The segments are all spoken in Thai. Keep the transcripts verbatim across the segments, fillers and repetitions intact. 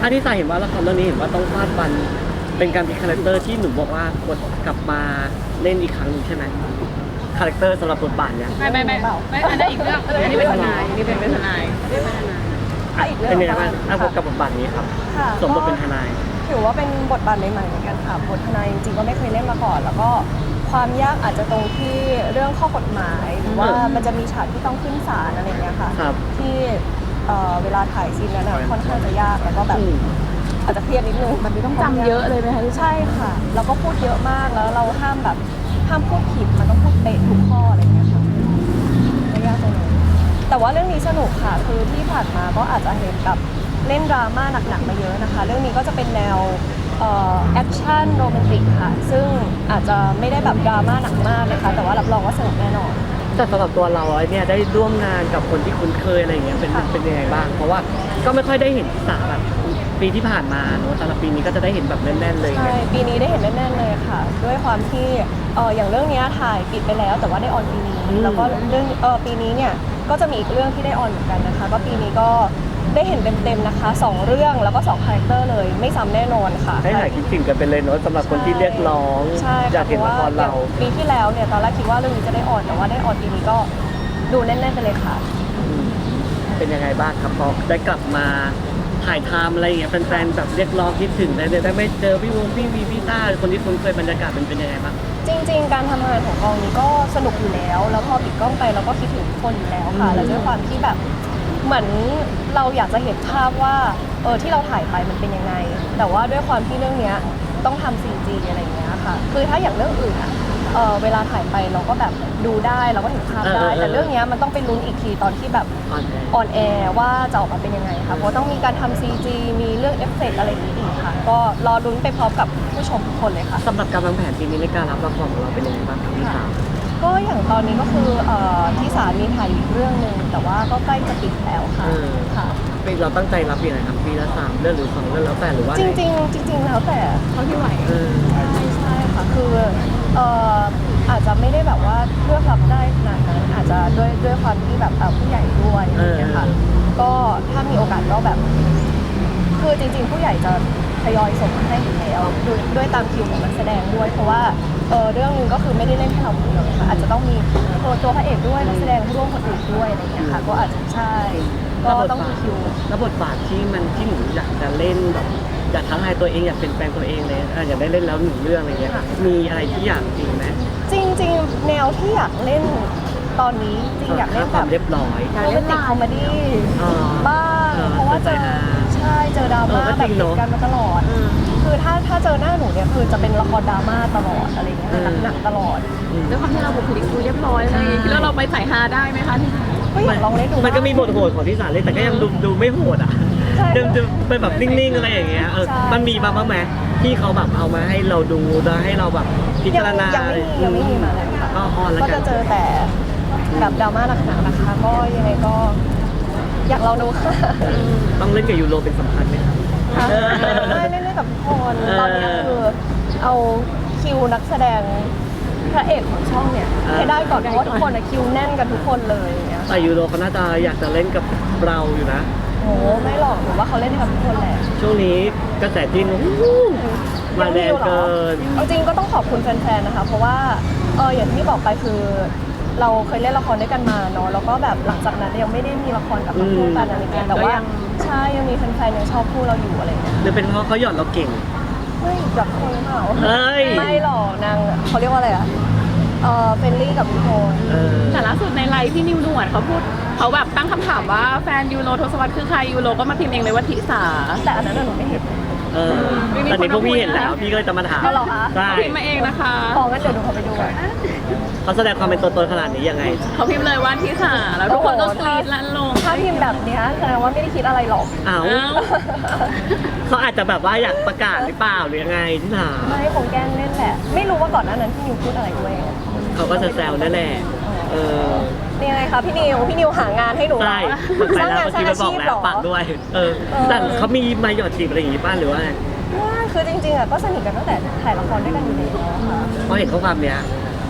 อันที่สายเห็นว่าละครเรื่องนี้เห็นว่าต้องฟาดฟันเป็นการพลิกคาแรคเตอร์ที่หนูบอกว่ากดกลับมาเล่นอีกครั้งหนึ่งใช่ไหมคาแรคเตอร์สำหรับบทบาทเนี่ยไม่ไม่ไม่ไม่อันนั้นอีกเรื่องอันนี้เป็นทนายอันนี้เป็นเป็นทนายเป็นทนายอ่ะอีกเรื่องเป็นยังไงบ้างอ่ะกับบทบาทนี้ครับสมบทเป็นทนายถือว่าเป็นบทบาทใหม่ๆเหมือนกันค่ะบททนายจริงๆก็ไม่เคยเล่นมาก่อน แล้วก็ความยากอาจจะตรงที่เรื่องข้อกฎหมายหรือว่ามันจะมีฉากที่ต้องขึ้นศาลอะไรอย่างเงี้ยค่ะที่เวลาถ่ายซีนนั้นค่อนข้างจะยากแล้วก็แบบอาจจะเครียดนิดนึงมันมีต้องจำเยอะเลยไหมคะใช่ค่ะแล้วก็พูดเยอะมากแล้วเราห้ามแบบห้ามพูดผิดมันต้องพูดเป๊ะทุกข้ออะไรอย่างเงี้ยค่ะไม่ยากตรงนี้แต่ว่าเรื่องนี้สนุกค่ะคือที่ผ่านมาก็อาจจะเห็นแบบเล่นดราม่าหนักๆมาเยอะนะคะเรื่องนี้ก็จะเป็นแนวแอคชั่นโรแมนติกค่ะซึ่งอาจจะไม่ได้แบบดราม่าหนักมากนะคะแต่ว่ารับรองว่าสนุกแน่นอนแต่สำหรับตัวเราเนี่ยได้ร่วมงานกับคนที่คุ้นเคยอะไรอย่างเงี้ยเป็นเป็นยังไงบ้างเพราะว่าก็ไม่ค่อยได้เห็นที่สาแบบปีที่ผ่านมาเนอะแต่ละปีนี้ก็จะได้เห็นแบบแน่นๆเลยใช่ปีนี้ได้เห็นแน่นๆเลยค่ะด้วยความที่เอออย่างเรื่องนี้ถ่ายปิดไปแล้วแต่ว่าได้ออนปีนี้แล้วก็เรื่องเออปีนี้เนี่ยก็จะมีอีกเรื่องที่ได้ออนเหมือนกันนะคะก็ปีนี้ก็ได้เห็นเต็มๆนะคะสองเรื่องแล้วก็สองคาแรคเตอร์เลยไม่ซ้ำแน่นอนค่ะให้หายคิดถึงกันไปเลยเนอะสำหรับคนที่เรียกร้องอยากเห็นละครเราปีที่แล้วเนี่ยตอนแรกคิดว่าเรื่องนี้จะได้ออนแต่ว่าได้ออนปีนี้ก็ดูแน่นๆไปเลยค่ะเป็นยังไงบ้างครับพอได้กลับมาถ่ายทำอะไรอย่างเงี้ยแฟนๆแบบเรียกร้องคิดถึงได้ได้ไม่เจอพี่วงพี่วีพี่ต้าคนที่คุ้นเคยบรรยากาศเป็นเป็นยังไงบ้างจริงๆการทำงานของกองนี้ก็สนุกอยู่แล้วแล้วพอปิดกล้องไปเราก็คิดถึงทุกคนอยู่แล้วค่ะแล้วด้วยความที่แบบเหมือนเราอยากจะเห็นภาพว่าเออที่เราถ่ายไปมันเป็นยังไงแต่ว่าด้วยความที่เรื่องนี้ต้องทำ ซี จี อะไรอย่างเงี้ยค่ะคือถ้าอย่างเรื่องอื่นอะเออเวลาถ่ายไปเราก็แบบดูได้เราก็เห็นภาพได้แต่เรื่องนี้มันต้องไปลุ้นอีกทีตอนที่แบบออนแอร์ว่าจะออกมาเป็นยังไงค่ะเพราะต้องมีการทำ ซี จี มีเรื่องเอฟเฟกต์อะไรอย่างนี้อีกค่ะก็รอลุ้นไปพร้อมกับผู้ชมทุกคนเลยค่ะสำหรับการวางแผนปีนี้ในการรับละครของเราเป็นยังไงบ้างครับพี่สาวก็อย่างตอนนี้ก็คือที่ศาลมีถ่ายอีกเรื่องหนึ่งแต่ว่าก็ใกล้จะปิดแล้วค่ะค่ะเราตั้งใจรับยังไงครับปีละสามเรื่องหรือสองเรื่องแล้วแต่หรือว่าจริงจริงจริงๆแล้วแต่เท่าที่ไหวใช่ใช่ค่ะคือเอ่ออาจจะไม่ได้แบบว่าเลือกรับได้ขนาดนั้นอาจจะด้วยด้วยความที่แบบผู้ใหญ่ด้วยอย่างเงี้ยค่ะก็ถ้ามีโอกาสก็แบบคือจริงๆผู้ใหญ่จะทยอยส่งมาให้อยู่แล้วด้วยด้วยตามคิวของนักแสดงด้วยเพราะว่าเออเรื่องนึงก็คือไม่ได้เล่นแค่เราคนเดียวนะคะอาจจะต้องมีตัวตัวพระเอกด้วยนักแสดงร่วมคนอื่นด้วยอะไรเงี้ยค่ะก็อาจจะใช่ก็ต้องมีคิวแล้วบทบาทที่มันที่หนูอยากจะเล่นแบบอยากท้าทายตัวเองอยากเป็นแปลงตัวเองเลยอยากได้เล่นแล้วหนึ่งเรื่องอะไรเงี้ยมีอะไรที่อยากจริงไหมจริงๆแนวที่อยากเล่นตอนนี้จริงอยากเล่นแบบเรียบร้อยโรแมนติกคอมเมดี้บ้างเพราะว่าเจอใช่เจอดราม่าแบบติดกันมาตลอดคือถ้าถ้าเจอหน้าหนูเนี่ยคือจะเป็นละครดราม่าตลอดอะไรเงี้ยหนักๆตลอดด้วยความที่เราบุคลิกดูเรียบร้อยเลยแล้วเราไปสายฮาได้ไหมคะที่ก็อยากลองเล่นดูมันก็มีบทโหดของที่สารเล่นแต่ก็ยังดูดูไม่โหดอ่ะเดิมๆเป็นแบบนิ่งๆอะไรอย่างเงี้ยเออมันมีมาบ้างไหมที่เขาแบบเอามาให้เราดูแล้วให้เราแบบพิจารณายังไม่มียังไม่มีมาเลยค่ะก็ออนแล้วก็จะเจอแต่แบบดราม่าหนักๆนะคะก็ยังไงก็อยากลองดูค่ะต้องเล่นกับยูโรเป็นสำคัญไหมครับไม่เล่นเล่นกับทุกคนตอนนี้คือเอาคิวนักแสดงพระเอกของช่องเนี่ยให้ได้ก่อนเพราะว่าทุกคนอะคิวแน่นกันทุกคนเลยอย่างเงี้ยแต่ยูโรเขาน่าจะอยากจะเล่นกับเราอยู่นะโอ้ไม่หรอกหนูว่าเขาเล่นกับทุกคนแหละช่วงนี้กระแสจีนมาแรงเกินเอาจริงก็ต้องขอบคุณแฟนๆนะคะเพราะว่าเอออย่างที่บอกไปคือเราเคยเล่นละครด้วยกันมาเนาะแล้วก็แบบหลังจากนั้นยังไม่ได้มีละครกับคู่กันอะไรเงี้ยแต่ว่าใช่ยังมีแฟนๆยังชอบคู่เราอยู่อะไรเงี้ยหรือเป็นเพราะเขาหยอดเราเก่งไม่หยอดคนเปล่าไม่หรอกนางเขาเรียกว่าอะไรอะเออเฟรนลี่กับทุกคนแต่ล่าสุดในไลฟ์พี่นิวหนวดเขาพูดเขาแบบตั้งคำถามว่าแฟนยูโรทศวรรษคือใครยูโรก็มาพิมพ์เองเลยว่าทิสาแต่อันนั้นหนูไม่เห็นเออตอนนี้พวกพี่เห็นแล้วพี่ก็เลยจะมาถามใช่พิมพ์มาเองนะคะพองั้นเดี๋ยวดูเขาไปดูเขาแสดงความเป็นตัวตนขนาดนี้ยังไงเขาพิมพ์เลยว่าทิสาแล้วทุกคนก็กรี๊ดลั่นลงถ้าพิมพ์แบบนี้แสดงว่าไม่ได้คิดอะไรหรอกอ้าวเขาอาจจะแบบว่าอยากประกาศหรือเปล่าหรือยังไงทิสาไม่คงแกล้งเล่นแหละไม่รู้ว่าก่อนหน้านั้นพี่นิวพูดอะไรด้วยเขาก็จะแซวนั่นแหละเออนี่ไงคะพี่นิวพี่นิวหางานให้หนูใช่สร้างงานสร้างอาชีพหรอปากด้วยเออแต่เขามีมาหยอดจีบอะไรอย่างงี้ป้าหรือว่าว่าคือจริงๆอ่ะก็สนิทกันตั้งแต่ถ่ายละครด้วยกันอยู่แล้วค่ะพอเห็นข้อความเนี้ย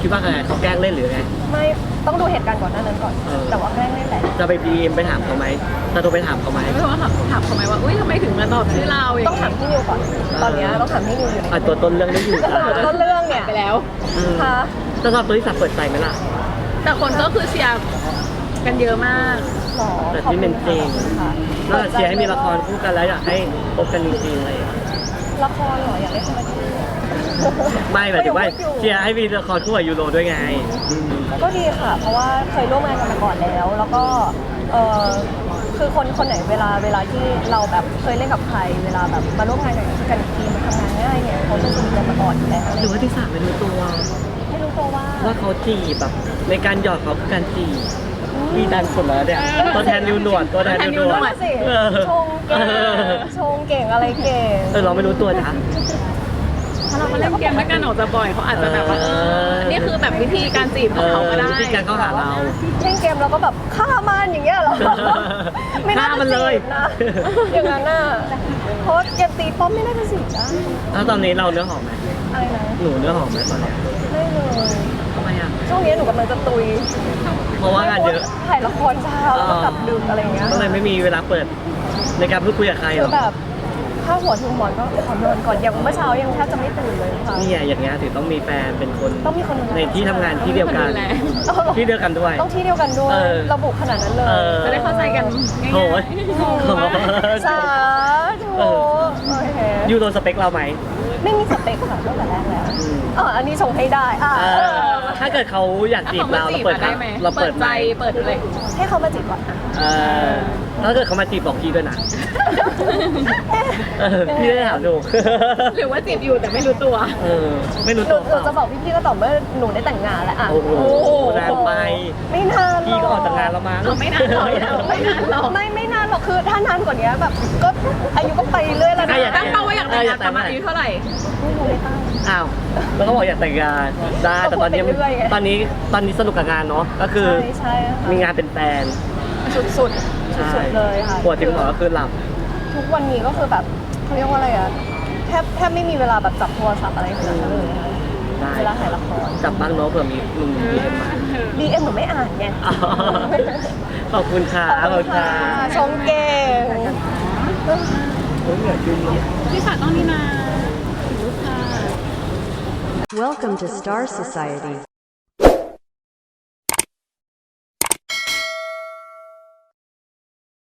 คิดว่าไงเขาแกล้งเล่นหรือไงไม่ต้องดูเหตุการณ์ก่อนหน้านั้นก่อนเออแต่ว่าแกล้งเล่นแหละจะไปดีเอ็มไปถามเขาไหมจะโทรไปถามเขาไหมไม่รู้ว่าถามถามเขาไหมว่าอุ้ยทำไมถึงมาตอบชื่อเราอย่างต้องถามพี่นิวก่อน ตอนเนี้ยต้องถามพี่นิวอยู่ในอ่ะตัวต้นเรื่องได้อยู่ต้นเรื่องเนี่ยไปแล้วอืมค่ะจะสอบตัวที่สับเปิดใจไหมล่ะแต่คนก็คือเชียร์กันเยอะมากหรอแต่ขอบที่คุเป็ณนจริงค่ะน่าจะเชียร์ให้มีละครคู่กันแล้วอยากให้พบกันจริงๆอะไรอย่างเลยละครเหรออยากเล่นคอมเมดี้ไม่หมายถึงว่าเชียร์ให้มีละครคู่กับยูโรด้วยไงอืมก็ดีค่ะ เพราะว่าเคยร่วมงานกันมาก่อนแล้ว แล้วก็เออคือคนคนไหนเวลาเวลาที่เราแบบเคยเล่นกับใคร เวลาแบบมาร่วมงานกันกันอีกทีมันทำงานง่ายเนี่ยเขาจะสนิทกันมาก่อนอยู่แล้วอะไรหรือว่าที่สามไม่รู้ตัวไม่รู้ตัวว่าว่าเขาจีบแบบในการหยอดเขาคือการจีบพี่ดันสุดแล้วเนี่ยตัวแทนยูหนวดตัวแทนยูหนวดนั่นน่ะสิเออชงเก่งชงเก่งอะไรเก่งเออเราไม่รู้ตัวจ้ะถ้าเรามาเล่นเกมด้วยกันออกจะบ่อยเขาอาจจะแบบว่าเออนี่คือแบบวิธีการจีบของเขาก็ได้วิธีการเข้าหาเราเล่นเกมเราก็แบบฆ่ามันอย่างเงี้ยเหรอ ไม่น่าฆ่ามัจะนเลยจีบนะ อย่างนั้นน่ะเพราะเกมตีป้อมไม่น่าจะจีบได้แล้วตอนนี้เราเนื้อหอมไหมอะไรนะหนูเนื้อหอมไหมตอนเนี้ยไม่เลยทำไมอ่ะช่วงนี้หนูกำลังจะตุยเพราะว่างานเยอะถ่ายละครเช้าแล้วก็กลับดึกอะไรอย่างเงี้ยก็เลยไม่มีเวลาเปิดในการพูดคุยกับใครหคืรออกแบบถ้าหัวถึงหมอนก็ขอนอนก่อนอย่างเมื่อเช้ายังแทบจะไม่ตื่นเลยค่ะนี่ไงอย่างเงี้ยถึงต้องมีแฟนเป็นคนต้องมีคนดูแลในที่ทำงานที่เดียวกันต้องมีคนดูแลที่เดียวกันด้วยต้องที่เดียวกันด้วยเออระบุขนาดนั้นเลยเออจะได้เข้าใจกันง่ายๆโอ้ยสาธุเออโอเคยูโรสเปคเราไหมไม่มีสเปคค่ะตั้งแต่แรกแล้วอืมเอออันนี้ชงให้ได้อ่ะเอเอออถ้าเกิดเขาอยากจีบถ้าเราเขามาจีเราบเปิดอะได้ไหมเราเปิเปิดดใจใจเปิดอะไรให้เขามาจีบก่อนเออถ้าเกิดเขามาจีบบอกพี่ด้วยนะเออพี่ได้ถามดูหรือว่าจีบอยู่แต่ไม่รู้ตัวเออไม่รู้หนูตัวหนูจะบอกพี่ๆก็ต่อเมื่อหนูได้แต่งงานแล้วอ่ะโอ้โหนานไปไม่นานหรอกพี่ก็ออกจากงานแล้วมั้งเอาไม่นานหรอกไม่นานหรอกไม่ไม่นานหรอกคือถ้านานกว่านี้แบบก็อายุก็ไปเรื่อยแล้วนะอ่ะอยากตั้งเป้าว่าอยากแต่งงานประมาณอายุเท่าไหร่ไม่รู้ไม่ตั้งอ้าวแล้วก็บอกอยากแต่งงานได้แต่ตอนนี้ก็พูดไปเรื่อยไงตอนนี้ตอนนี้สนุกกับงานเนาะก็คือใช่ใช่ค่ะมีงานเป็นแฟนสุดสุดสุดใช่ๆเลยค่ะปวดถึงหมอก็คือหลับทุกวันนี้ก็คือแบบเขาเรียกว่าอะไรอะแทบแทบไม่มีเวลาแบบจับโทรศัพท์อะไรขนาดนั้นเลยค่ะได้เวลาถ่ายละครจับบ้างเนาะเผื่อมีลุงดีเอ็มมาดีเอ็มหนูไม่อ่านไงอ๋อขอบคุณค่ะขอบคุณค่ะชมเก่งโอ้ยเหนื่อยจริงพี่ฝากต้องนี่นาลูกค่ะ Welcome to Star Society.